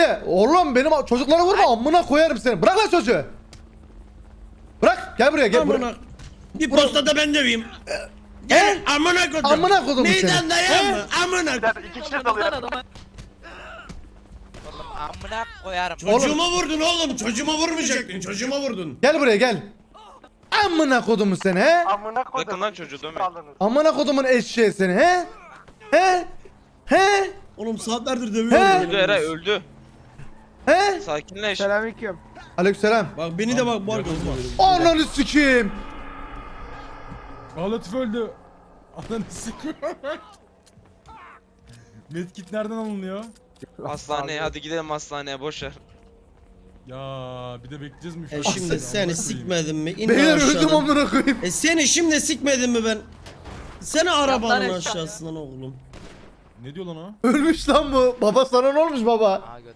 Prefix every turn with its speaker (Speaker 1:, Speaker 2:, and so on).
Speaker 1: Efe oğlum benim çocuklara vurma amına koyarım seni. Bırak lan çocuğu. Bırak gel buraya gel buraya.
Speaker 2: Bir postada ben döveyim. Gel amına kodum.
Speaker 1: Amına kodum seni.
Speaker 2: Meydan dayan mı? Amına kodum.
Speaker 3: İki kişi dalıyor.
Speaker 4: Amına koyarım.
Speaker 2: Çocuğuma vurdun oğlum. Çocuğuma vurmayacaktın. Çocuğuma vurdun.
Speaker 1: Gel buraya gel. Amına kodumu seni he?
Speaker 3: Amına koydum.
Speaker 5: Bırakın lan çocuğu, dönmeyin.
Speaker 1: Amına kodumun eşeği seni he? He? He?
Speaker 2: Oğlum saatlerdir
Speaker 1: He?
Speaker 2: dövüyorum.
Speaker 5: Öldü Eray, öldü.
Speaker 1: He?
Speaker 5: Sakinleş.
Speaker 6: Selamünaleyküm.
Speaker 1: Aleykümselam.
Speaker 2: Bak beni de bak bu arada.
Speaker 1: Ananı sikeyim.
Speaker 7: Latif öldü. Ananı sikiyorum. Medkit nereden alınıyor?
Speaker 5: Hastaneye, hadi gidelim hastaneye, boşver.
Speaker 7: Ya bir de bekleyeceğiz mi?
Speaker 2: Şimdi seni sikmedim mi? İn
Speaker 1: Beyler öldüm
Speaker 2: aşağıdan.
Speaker 1: amına koyayım.
Speaker 2: Seni şimdi sikmedim mi ben? Seni arabanın aşağısından oğlum.
Speaker 7: Ne diyor lan o?
Speaker 1: Ölmüş lan bu. Baba sana ne olmuş baba?